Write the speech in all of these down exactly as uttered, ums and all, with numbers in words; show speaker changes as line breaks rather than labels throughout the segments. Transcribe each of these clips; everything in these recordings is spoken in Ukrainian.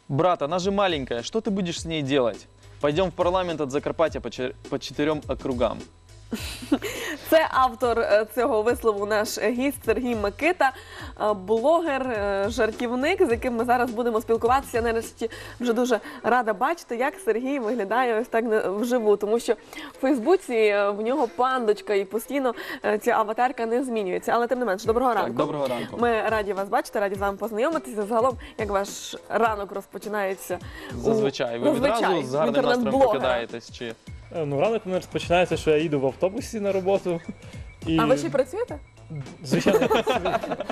Брат, она же маленькая, что ты будешь с ней делать? Пойдем в парламент от Закарпаття по, чер... по четырем округам.
Це автор е, цього вислову, наш гість Сергій Микита, е, блогер, е, жартівник, з яким ми зараз будемо спілкуватися. Я нарешті вже дуже рада бачити, як Сергій виглядає ось так на- вживу, тому що в Фейсбуці е, в нього пандочка і постійно е, ця аватарка не змінюється. Але тим не менш, доброго ранку.
Так, доброго ранку.
Ми раді вас бачити, раді з вами познайомитися. Загалом, як ваш ранок розпочинається? у-
Зазвичай. Ви відразу
Зазвичай,
з гарним настроєм
інтернет-блогера.
прокидаєтесь? Чи...
Е, Ну, ранок у мене розпочинається, що я їду в автобусі на роботу. І,
А ви ще й працюєте?
звичайно, я працюю.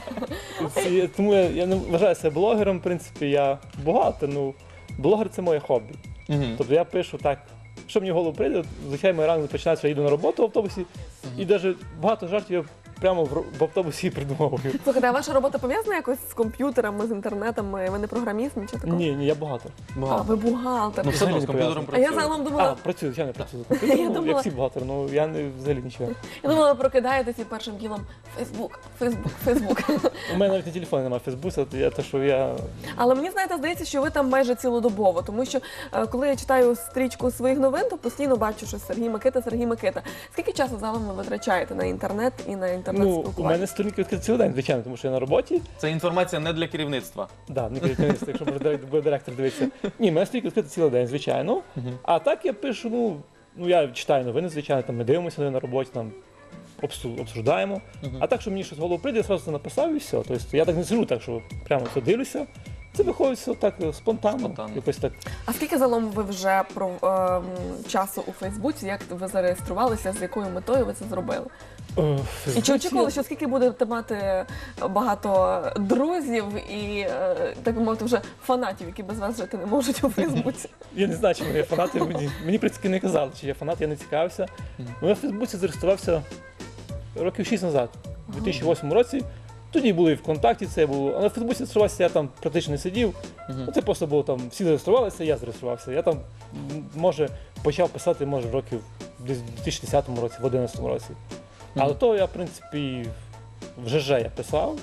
Ці- тому я, я не вважаю себе блогером, в принципі, я багато, ну, блогер – це моє хобі.
Мгм.
Тобто я пишу так, що мені в голову прийде, звичайно, мій ранок починається, що я їду на роботу в автобусі, і навіть багато жартів я прямо в, ро- в автобусі придумовую.
Слухайте, а ваша робота пов'язана якось з комп'ютерами, з інтернетом? Ви не програміст, нічого такого?
Ні, ні, я бухгалтер.
А,
Багато.
ви бухгалтер.
Ну, все одно з
Взагалі не
комп'ютером
А я
працюю.
загалом
А,
думала,
працюю, звичайно, працюю за
Я
комп'ютером,
думала-
як всі бухгалтери, ну я не, взагалі нічого.
я думала, ви прокидаєтесь і першим ділом Фейсбук, Фейсбук, Фейсбук.
У мене навіть на телефоні немає Фейсбука, то я те, що я
Але мені, знаєте, здається, що ви там майже цілодобово, тому що е, коли я читаю стрічку своїх новин, то постійно бачу, що Сергій Микита, Сергій Микита. Скільки часу загалом ви витрачаєте на інтернет і на
Ну,
інтернет-спілкування?
у мене сторінки відкриті цілий день, звичайно, тому що я на роботі.
Це інформація не для керівництва.
Да, не керівництво, якщо буде дирек- буде директор дивитися. Ні, у мене сторінки відкриті цілий день, звичайно. А так я пишу, ну, ну я читаю новини, звичайно, там ми дивимося на роботі, там обсу- обсуждаємо. А так, що мені щось в голову прийде, я одразу це написав і все. Тобто я так не сижу, так що прямо все дивлюся. Це виходить все так е, спонтанно,
Спонтанно.
якось так.
А скільки загалом ви вже про ем, часу у Фейсбуці, як ви зареєструвалися, з якою метою ви це зробили?
Е, в
І чи
Фейсбуці
очікували, що скільки будете мати багато друзів і, е, так би мовити, вже фанатів, які без вас жити не можуть у Фейсбуці?
Я не знаю, чи мої фанати. Мені, мені в принципі, не казали, чи я фанат, я не цікавився. Ну, я в Фейсбуці зареєструвався років шість назад, у дві тисячі восьмому році. Тоді були і ВКонтакті, це було. Але в Фейсбуці зареєструвався, я там практично не сидів. Ну, це просто було там, всі зареєструвалися, я зареєструвався. Я там, м, може, почав писати, може, років десь в дві тисячі десятому році, в одинадцятому році. А до того я, в принципі, в ЖЖ я писав.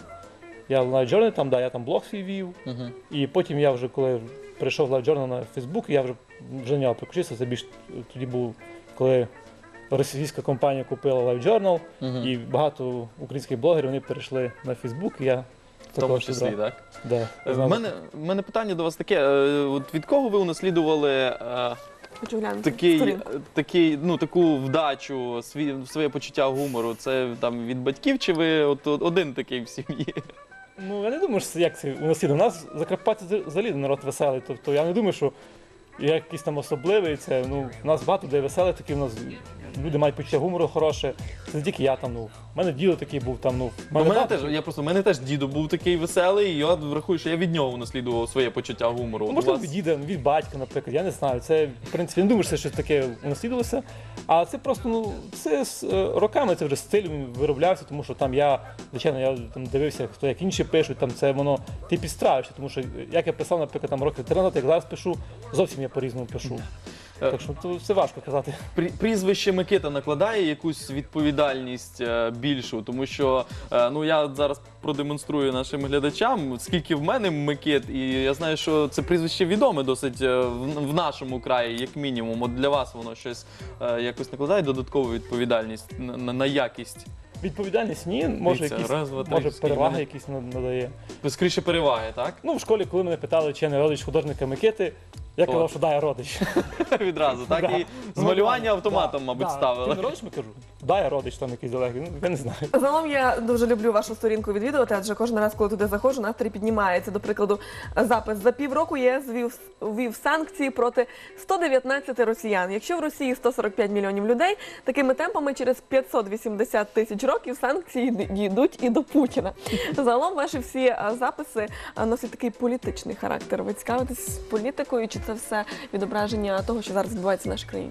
Я в Live Journal, там, да, я там блог свій вів.
Мгм.
І потім я вже, коли прийшов в Live Journal на Facebook, я вже, вже на нього переключився. Це більш тоді був, коли російська компанія купила Live Journal,
Мгм.
і багато українських блогерів вони перейшли на Facebook, і я
В тому
також
числі,
брав.
так?
Да,
Е,
я
В
знав.
мене, в мене питання до вас таке. е, От від кого ви унаслідували е,
Хочу глянути.
такий,
сторінку.
такий, ну, таку вдачу, свій, своє почуття гумору? Це там від батьків, чи ви от, от один такий в сім'ї?
Ну, я не думаю, що це як це у нас є. У нас в Закарпатті взагалі народ веселий. Тобто я не думаю, що я якийсь там особливий. Це, ну, у нас багато де веселих такі, у нас люди мають почуття гумору хороше. Це не тільки я там, ну, в мене діло такий був там, ну, в
У мене
багато-
теж, я просто, у мене теж дідо був такий веселий, і я врахую, що я від нього унаслідував своє почуття гумору.
Ну,
От у
можливо,
вас-
від діда, від батька, наприклад, я не знаю. Це, в принципі, я не думаю, що це щось таке унаслідувалося. А це просто, ну, це з е, роками це вже стиль він вироблявся, тому що там я, звичайно, я там дивився, хто як інші пишуть, там це воно, ти підстраюєшся, тому що як я писав, наприклад, там років три назад, як зараз пишу, зовсім я по-різному пишу.
Е,
Так що то це важко казати.
Прі- Прізвище Микита накладає якусь відповідальність е, більшу, тому що е, ну я зараз продемонструю нашим глядачам, скільки в мене Микит, і я знаю, що це прізвище відоме досить е, в, в нашому краї, як мінімум. От для вас воно щось е, якось накладає додаткову відповідальність на, на, на якість.
Відповідальність ні, може
Дивіться,
якісь,
раз, два, три,
може
скільки
переваги
мене?
якісь над- надає.
Скоріше переваги, так?
Ну, в школі, коли мене питали, чи я не родич художника Микити, я
О.
казав, що да, я родич.
Відразу, так?
Да.
І з
Ну,
малювання
да,
автоматом,
да,
мабуть,
да.
ставили.
Ти не родич, ми кажу? Да, я родич там якийсь далекий, ну, я не знаю.
Загалом я дуже люблю вашу сторінку відвідувати, адже кожен раз, коли туди заходжу, настрій піднімається. До прикладу, запис за півроку ЄС ввів, ввів санкції проти ста дев'ятнадцяти росіян. Якщо в Росії сто сорок п'ять мільйонів людей, такими темпами через п'ятсот вісімдесят тисяч років санкції дійдуть і до Путіна. Загалом ваші всі а, записи а, носять такий політичний характер. Ви цікавитесь політикою, чи це все відображення того, що зараз відбувається в нашій країні?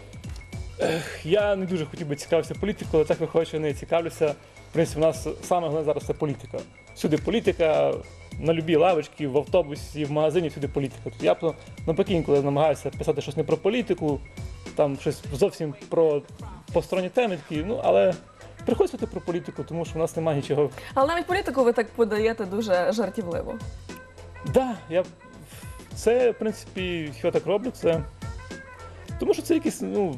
Я не дуже хотів би цікавитися політикою, але так виходить, що я не цікавлюся. В принципі, у нас саме головне зараз це політика. Всюди політика, на любій лавочці, в автобусі, в магазині, всюди політика. Тобто я б навпаки, коли намагаюся писати щось не про політику, там щось зовсім про посторонні теми такі, ну, але приходиться про політику, тому що в нас немає нічого.
Але навіть політику ви так подаєте дуже жартівливо.
Так, да, я Це, в принципі, що я так роблю, це тому що це якісь, ну,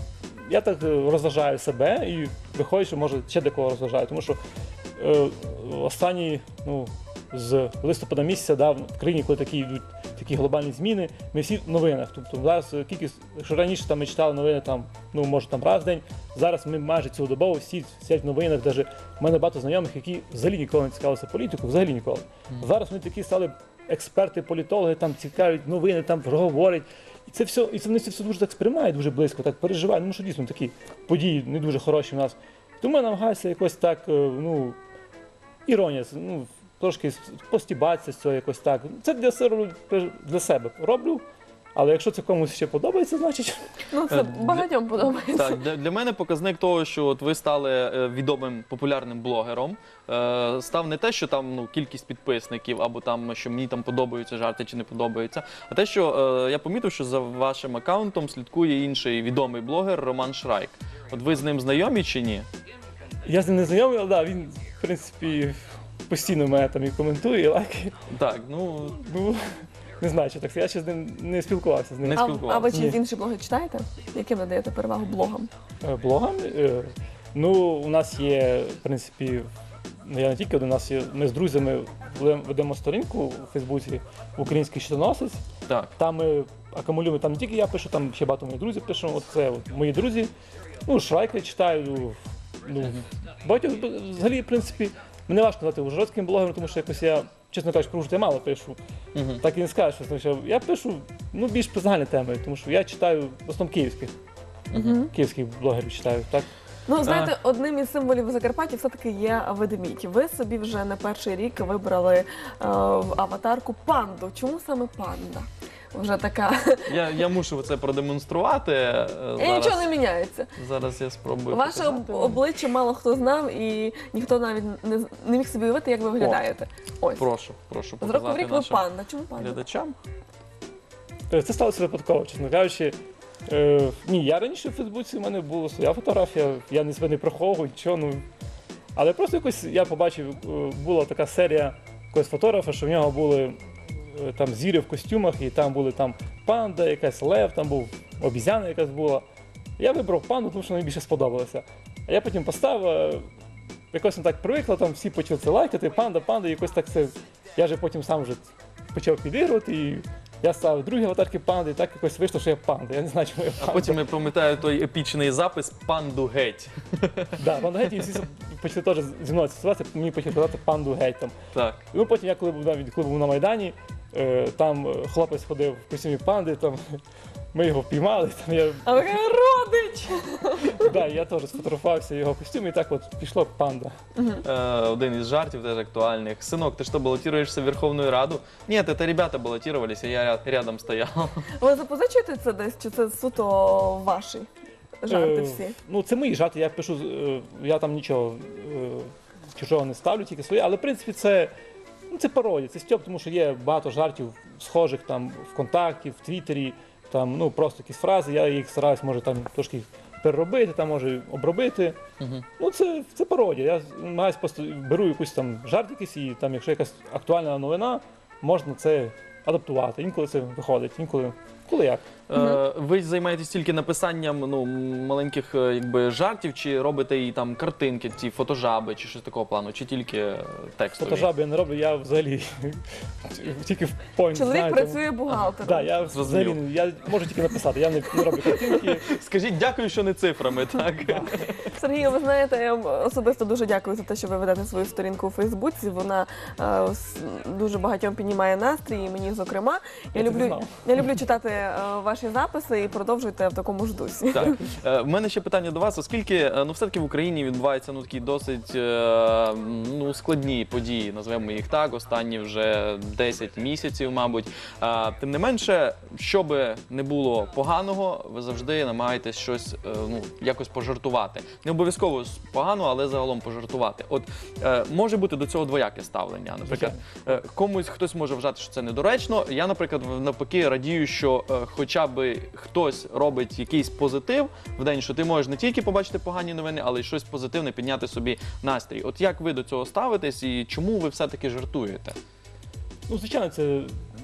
я так е, розважаю себе і виходить, що може ще декого розважаю. Тому що е, останні, ну, з листопада місяця, да, в країні, коли такі йдуть такі глобальні зміни, ми всі в новинах. Тобто зараз кількість, якщо раніше там, ми читали новини, там, ну, може там раз в день, зараз ми майже цілодобово всі сидять в новинах. Даже в мене багато знайомих, які взагалі ніколи не цікавилися політикою, взагалі ніколи. Mm. Зараз вони такі стали експерти, політологи, там цікавлять новини, там говорять. І це все, і це вони це все дуже так сприймають, дуже близько, так переживають. Ну що дійсно такі події не дуже хороші в нас. Тому я намагаюся якось так, ну, іронія, ну, трошки постібатися з цього якось так. Це для себе, для себе роблю, але якщо це комусь ще подобається, значить...
Ну, це багатьом подобається.
Так, для, для мене показник того, що от ви стали е, відомим популярним блогером, е, став не те, що там, ну, кількість підписників, або там, що мені там подобаються жарти чи не подобаються, а те, що е, я помітив, що за вашим аккаунтом слідкує інший відомий блогер Роман Шрайк. От ви з ним знайомі чи ні?
Я з ним не знайомий, але да, він, в принципі, постійно мене там і коментує, і лайкає.
Так, ну...
Ну, не знаю, що так. Я ще з ним не спілкувався з ним.
Не
А,
спілкувався.
а ви чиїсь
Ні.
інші блоги читаєте? Яким надаєте перевагу блогам?
Е, Блогам? Е, Ну, у нас є, в принципі, ну, я не тільки один, у нас є, ми з друзями ведемо- ведемо сторінку у Фейсбуці «Український щитоносець».
Так.
Там ми акумулюємо, там не тільки я пишу, там ще багато моїх друзів пишу. От це от мої друзі. Ну, Шрайка читаю. Ну, багатьох, взагалі, в принципі, мене важко назвати ужгородським блогером, тому що якось я, чесно кажучи, про Ужгород я мало пишу.
Угу.
Так і не скажеш, що, тому що я пишу, ну, більш про загальні теми, тому що я читаю в основному київських,
Угу.
київських блогерів читаю, так?
Ну, знаєте, одним із символів Закарпаття все-таки є ведмідь. Ви собі вже на перший рік вибрали е, в аватарку панду. Чому саме панда? Вже така.
Я, я мушу це продемонструвати. е,
І
Зараз,
нічого не міняється.
зараз я спробую.
Ваше об-
показати.
обличчя мало хто знав, і ніхто навіть не, з- не міг собі уявити, як ви виглядаєте. Ось.
Прошу, прошу
З року в
показати
рік ви
нашим
панда. Чому панда?
глядачам.
Е, Це сталося випадково, чесно кажучи. Е, ні, я раніше в Фейсбуці, в мене була своя фотографія, я не себе не приховую, нічого, ну. Але просто якось я побачив, е, була така серія якогось фотографа, що в нього були е, там зіри в костюмах, і там були там панда, якась лев, там був обізяна якась була. Я вибрав панду, тому що мені більше сподобалося. А я потім поставив, е, якось не так привикла, там всі почали це лайкати, панда, панда, і якось так це. Я вже потім сам вже почав підігрувати, і я ставив другі аватарки панди, і так якось вийшло, що я панда. Я не знаю, чому я
А
панда.
потім я пам'ятаю той епічний запис «Панду геть».
Да, панда геть, і всі почали теж зі мною асоціюватися, мені почали казати панду геть там.
Так.
Ну потім я коли був, навіть, коли був на Майдані, е, там е, хлопець ходив в костюмі панди, там ми його впіймали, там я,
А ви кажете, родич!
да, я теж сфотографувався в його костюмі, і так от пішло панда.
Е, один із жартів теж актуальних. Синок, ти що, балотируєшся в Верховну Раду? Ні, це ребята балотировались, а я ря- рядом стояв.
Ви запозичуєте це десь, чи це суто ваші жарти
Е,
всі?
Ну, це мої жарти, я пишу, е, я там нічого е, чужого не ставлю, тільки своє, але в принципі це, ну, це пародія, це стьоп, тому що є багато жартів схожих там ВКонтакті, в Твіттері, там, ну, просто якісь фрази, я їх стараюсь, може, там трошки переробити, там, може, обробити.
Мгм.
Ну, це, це пародія. Я намагаюсь просто беру якусь там жарт якийсь, і там, якщо якась актуальна новина, можна це адаптувати. Інколи це виходить, інколи, коли як.
Е, ви займаєтесь тільки написанням, ну, маленьких, е, якби, жартів, чи робите і там картинки, ці фотожаби, чи щось такого плану, чи тільки е, текстові?
Фотожаби я не роблю, я взагалі тільки в point,
Чоловік
знаєте.
працює бухгалтером.
Да, я
Зрозумів.
взагалі, я можу тільки написати, я не, не роблю картинки.
Скажіть дякую, що не цифрами, так?
Сергію, ви знаєте, я вам особисто дуже дякую за те, що ви ведете свою сторінку у Фейсбуці. Вона е, с- дуже багатьом піднімає настрій, і мені зокрема. Я,
Я це не
люблю,
знав.
я люблю читати е, ваші записи і продовжуйте в такому ж дусі.
Так. Е, в мене ще питання до вас, оскільки е, ну, все-таки в Україні відбуваються ну, такі досить е, ну, складні події, назвемо їх так, останні вже десять місяців, мабуть. Е, тим не менше, що би не було поганого, ви завжди намагаєтесь щось е, ну, якось пожартувати. Не обов'язково з поганого, але загалом пожартувати. От е, може бути до цього двояке ставлення. Наприклад, е, комусь хтось може вважати, що це недоречно. Я, наприклад, навпаки радію, що е, хоча б хтось робить якийсь позитив в день, що ти можеш не тільки побачити погані новини, але й щось позитивне підняти собі настрій. От як ви до цього ставитесь і чому ви все-таки жартуєте?
Ну, звичайно, це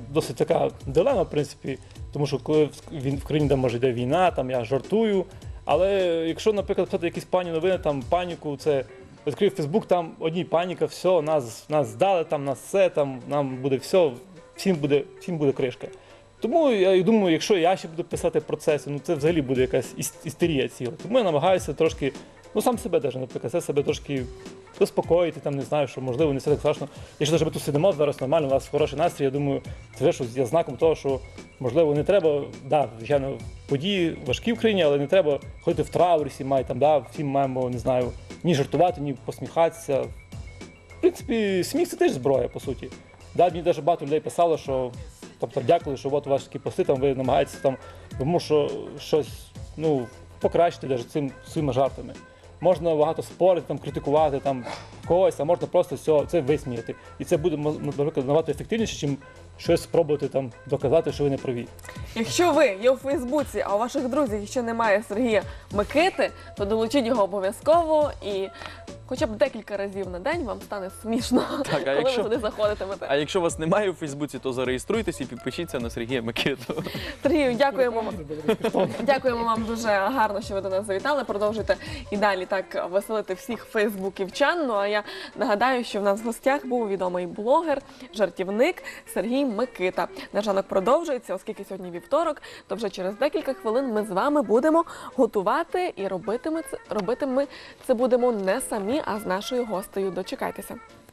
досить така дилема, в принципі, тому що коли в, він, в країні, де може йде війна, там я жартую. Але якщо, наприклад, писати якісь пані новини, там паніку, це відкрив Фейсбук, там одні паніка, все, нас, нас здали, там нас все, там нам буде все, всім буде, всім буде кришка. Тому я думаю, якщо я ще буду писати про це, ну це взагалі буде якась іс- істерія ціла. Тому я намагаюся трошки, ну сам себе навіть, наприклад, це себе трошки заспокоїти, там не знаю, що можливо не все так страшно. Якщо навіть ми тут сидимо зараз нормально, у нас хороший настрій, я думаю, це вже щось є знаком того, що можливо не треба, да, звичайно, події важкі в країні, але не треба ходити в траурі, всі мають там, да, всі маємо, не знаю, ні жартувати, ні посміхатися. В принципі, сміх це теж зброя, по суті. Да, мені навіть багато людей писало, що тобто дякую, що от у вас такі пости, там ви намагаєтеся там, тому що щось ну, покращити навіть цим своїми жартами. Можна багато спорити, там, критикувати там, когось, а можна просто все, це висміяти. І це буде, наприклад, набагато ефективніше, ніж щось спробувати там, доказати, що ви не праві.
Якщо ви є у Фейсбуці, а у ваших друзів ще немає Сергія Микити, то долучіть його обов'язково і хоча б декілька разів на день вам стане смішно,
Так, а
коли
якщо-
ви туди заходитимете.
А якщо вас немає у Фейсбуці, то зареєструйтесь і підпишіться на Сергія Микиту.
Сергію, дякуємо вам. Дякуємо вам дуже гарно, що ви до нас завітали. Продовжуйте і далі так веселити всіх фейсбуківчан. Ну а я нагадаю, що в нас в гостях був відомий блогер, жартівник Сергій Микита. Наш ранок продовжується, оскільки сьогодні вівторок, то вже через декілька хвилин ми з вами будемо готувати і робитиме це, робити ми це будемо не самі, а з нашою гостею. Дочекайтеся.